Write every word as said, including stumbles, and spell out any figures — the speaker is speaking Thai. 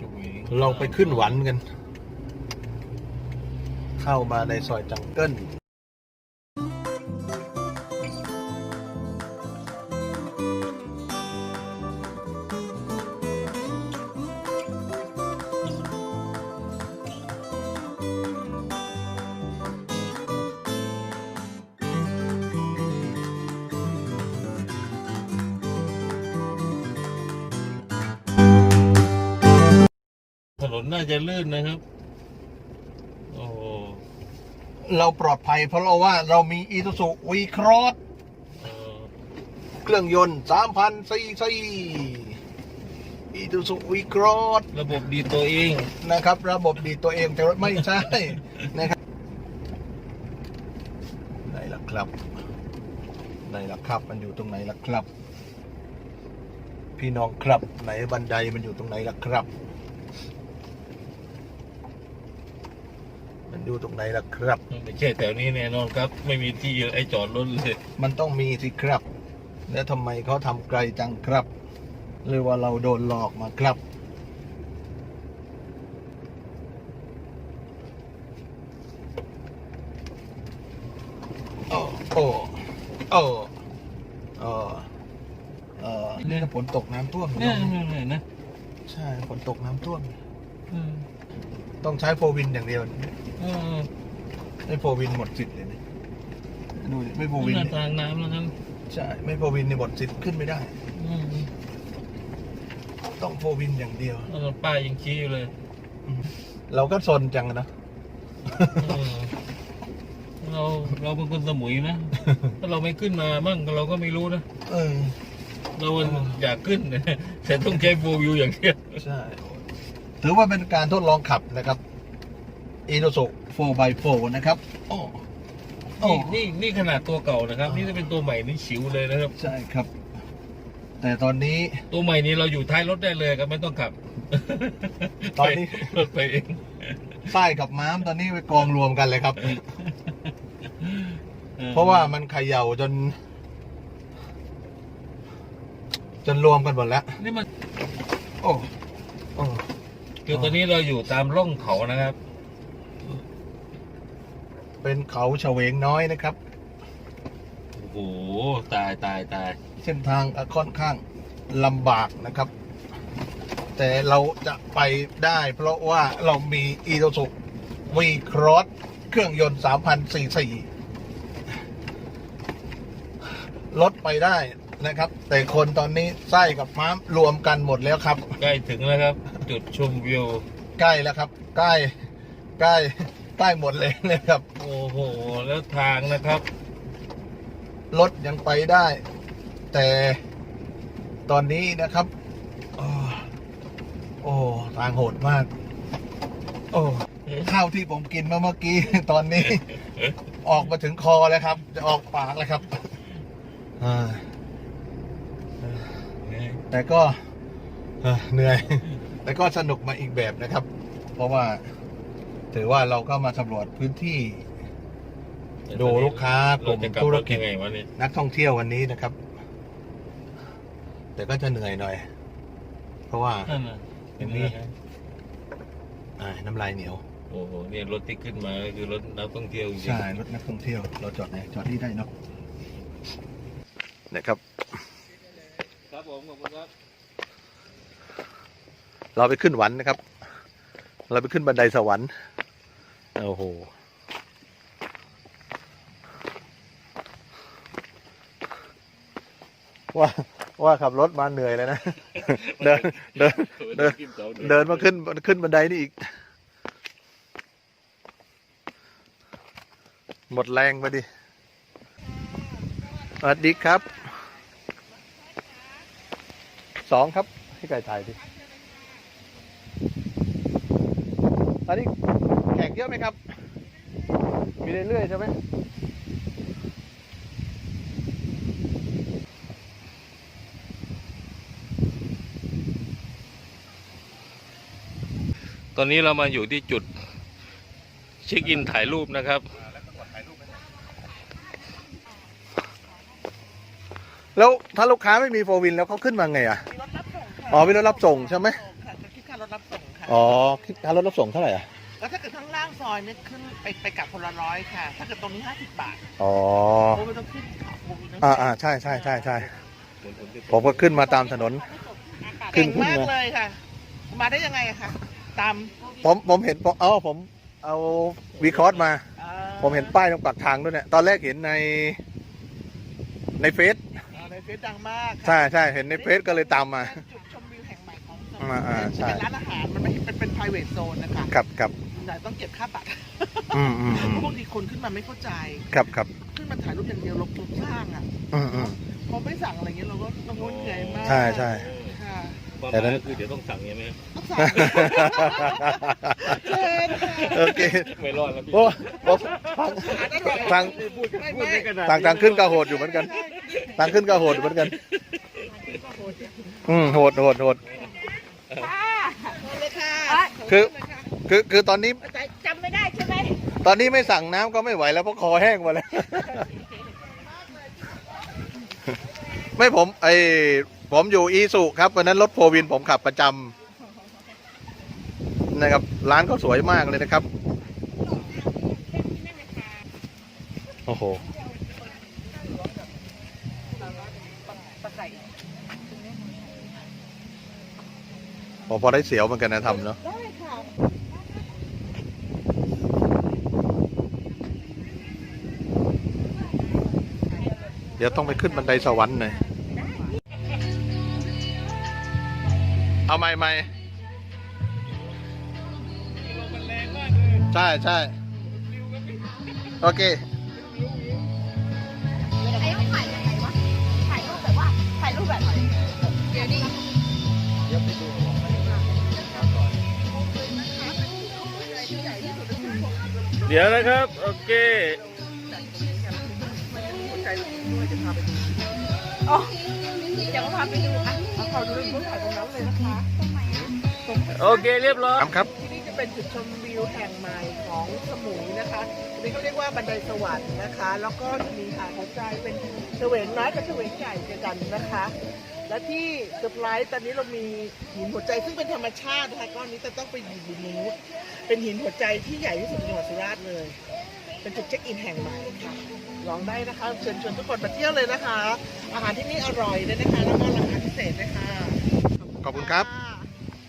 เราไปขึ้นหวันกัน เข้ามาในซอยจังเกิลถนนน่าจะลื่นนะครับโอ้เราปลอดภัยเพราะเราว่าเรามีอีซูซูวีครอสเครื่องยนต์ สามพัน ซีซีอีซูซูวีครอสระบบดีตัวเองนะครับระบบดีตัวเองแต่ไม่ใช่นะครับไหนล่ะครับไหนล่ะครับมันอยู่ตรงไหนล่ะครับ พี่น้องครับไหนบันไดมันอยู่ตรงไหนล่ะครับมันอยู่ตรงไหนล่ะครับไม่ใช่แถวนี้แน่นอนครับไม่มีที่ไอ้จอดรถเลยมันต้องมีสิครับแล้วทำไมเขาทำไกลจังครับหรือว่าเราโดนหลอกมาครับโอ้โอ้โอ้เออเออนี่ฝนตกน้ำท่วมเนี่ยเนี่ยนะใช่ฝนตกน้ำท่วมต้องใช้โฟวินอย่างเดียวไม่โฟวินหมดสิทธิ์เลยนะดูไม่โฟวินทางน้ำนะครับใช่ไม่โฟวินในหมดสิทธิ์ขึ้นไม่ได้ต้องโฟวินอย่างเดียวป้ายยังชี้อยู่เลยเราก็ซนจังนะเราเราเป็นคนสมุยนะถ้าเราไม่ขึ้นมาบ้างเราก็ไม่รู้นะเออเราอยากขึ้นแต่ต้องใช้โฟวิวอย่างเดียวใช่ถือว่าเป็นการทดลองขับนะครับอีโนโซ โฟร์ บาย โฟร์ นะครับโอ้นี่นี่นี่ขนาดตัวเก่านะครับนี่จะเป็นตัวใหม่นี่ฉิวเลยนะครับใช่ครับแต่ตอนนี้ตัวใหม่นี้เราอยู่ท้ายรถได้เลยครับไม่ต้องขับตอนนี้รถไปเองใต้กับม้ามตอนนี้ไปกองรวมกันเลยครับเพราะว่ามันเขย่าจนจนรวมกันหมดแล้วนี่มันโอ้โอ้คือตอนนี้เราอยู่ตามร่องเขานะครับเป็นเขาเฉวงน้อยนะครับโอ้โหตายตายตายเส้นทางค่อนข้างลำบากนะครับแต่เราจะไปได้เพราะว่าเรามีอีซูซูวีครอสเครื่องยนต์ สามพัน ซีซี ลดไปได้นะครับแต่คนตอนนี้ไส้กับม้ามรวมกันหมดแล้วครับใกล้ถึงแล้วครับจุดชมวิวใกล้แล้วครับใกล้ใกล้ใกล้หมดเลยนะครับโอ้โหแล้วทางนะครับรถยังไปได้แต่ตอนนี้นะครับโอ้โอ้ทางโหดมากโอ้ข้าวที่ผมกินเมื่อกี้ตอนนี้ออกมาถึงคอแล้วครับจะออกปากแล้วครับแต่ก็เหนื่อยแต่ก็สนุกมาอีกแบบนะครับ เพราะว่าถือว่าเราก็มาสำรวจพื้นที่ดูลูกค้ากลุ่มธุรกิจนักท่องเที่ยววันนี้นะครับแต่ก็จะเหนื่อยหน่อยเพราะว่าอย่างนี้น้ำลายเหนียวโอ้โหเนี่ยรถที่ขึ้นมาคือรถนักท่องเที่ยวใช่รถนักท่องเที่ยวเราจอดไหนจอดที่ได้เนาะนะครับครับผมขอบคุณครับเราไปขึ้นหวันนะครับเราไปขึ้นบันไดสวรรค์โอ้โหว่าว่าขับรถมาเหนื่อยเลยนะเดินเดินเดินเดินมาขึ้นขึ้นบันไดนี่อีกหมดแรงไปดิสวัสดีครับสองครับให้ไก่ถ่ายดิอันนี้แขกเยอะไหมครับมีเรื่อยๆใช่ไหมตอนนี้เรามาอยู่ที่จุดเช็คอินถ่ายรูปนะครับแล้วถ้าลูกค้าไม่มีโฟวินแล้วเขาขึ้นมาไงอ่ะอ๋อมีรถรับส่งใช่ไหมค่ะจะคิดค่ารถรับส่งค่ะค่ะอ๋อค่ารถรับส่งเท่าไหร่อ่ะแล้วถ้าเกิดข้างล่างซอยเนี่ยขึ้นไปไปกลับคนละร้อยค่ะ ถ้าเกิดตรงนี้ห้าสิบบาทอ๋อโอ้ไม่ต้องขึ้นเขาโอ้ไม่ต้องอ่าอ่าใช่ใช่ใช่ใช่ผมก็ขึ้นมาตามถนน ขึ้เก่นงขึ้นมากมาเลยค่ะ มาได้ยังไงอะคะตามผมผมเห็นผมเอาผมเอาวีคอร์สมาอ่าผมเห็นป้ายตรงปากทางด้วยเนี่ยตอนแรกเห็นในในเฟซอ่าในเฟซดังมากค่ะใช่ใช่เห็นในเฟซก็เลยตามมาเป็นจุดชมวิวแห่งใหม่ของสมุอ่าอ่าใช่เป็นร้านอาหาร มันไม่เป็นเป็น private zone นะคะครับครับแต่ต้องเก็บค่าบัตรอืมอืมอืมเพราะบางทีคนขึ้นมาไม่เข้าใจครับครับขึ้นมาถ่ายรูปอย่างเดียวลบทุกสร้างอ่ะอืมอืมพอไม่สั่งอะไรเงี้ยเราก็เราก็เหนื่อยมากใช่ใช่ค่ะความหแต่มายนั้นก็คือเดี๋ยวต้องสั่งใช่ไหมต้องสั่งเชิญค่ะโอเคไม่รอดแล้วพี่โอ้โอ้ทางพูดไม่พูดไม่ไม่ขนาดทางทางขึ้นก็โหดอยู่เหมือนกันทางขึ้นก็โหดอยู่เหมือนกัน อืมโหดโหดโหดเลยค่ะคือ คือคือตอนนี้จำไม่ได้ใช่ไหมตอนนี้ไม่สั่งน้ำก็ไม่ไหวแล้วเพราะคอแห้งหมาแล้ว ไม่ผมไอผมอยู่อีสุครับวันนั้นรถโฟวินผมขับประจำนะครับ ร้านก็สวยมากเลยนะครับ โอ้โหพอพอได้เสียวเหมือนกันนะทำเนาะได้ค่ะเดี๋ยวต้องไปขึ้นบันไดสวรรค์หน่อย เอาไม่ไม่ใช่ใช่โอเคไอ้ต้องถ่ายยังไงวะ ถ่ายรูปแบบว่า ถ่ายรูปแบบไหนเดี๋ยวดิเดี๋ยวนะครับ โอเคอ๋อเดี๋ยวพาไปดูอ่ะเอาขอดูเรื่องถ่ายตรงนั้นเลยนะคะโอเคเรียบร้อยครับครับที่นี่จะเป็นจุดชมวิวแห่งใหม่ของสมุยนะคะอันนี้เขาเรียกว่าบันไดสวรรค์นะคะ แล้วก็จะมีหาดหัวใจเป็นเฉวงน้อยกับเฉวงใหญ่เจอกันนะคะ และที่เซอร์ไพรส์ตอนนี้เรามีหินหัวใจซึ่งเป็นธรรมชาตินะคะก้อนนี้จะต้องไปอยู่บนนู้นเป็นหินหัวใจที่ใหญ่ที่สุดในจังหวัดสุราษฎร์เลย เป็นจุดเช็คอินแห่งใหม่ค่ะลองได้นะคะเชิญชวนทุกคนมาเที่ยวเลยนะคะ อาหารที่นี่อร่อยเลยนะคะ แล้วก็ราคาพิเศษด้วยค่ะขอบคุณครับะ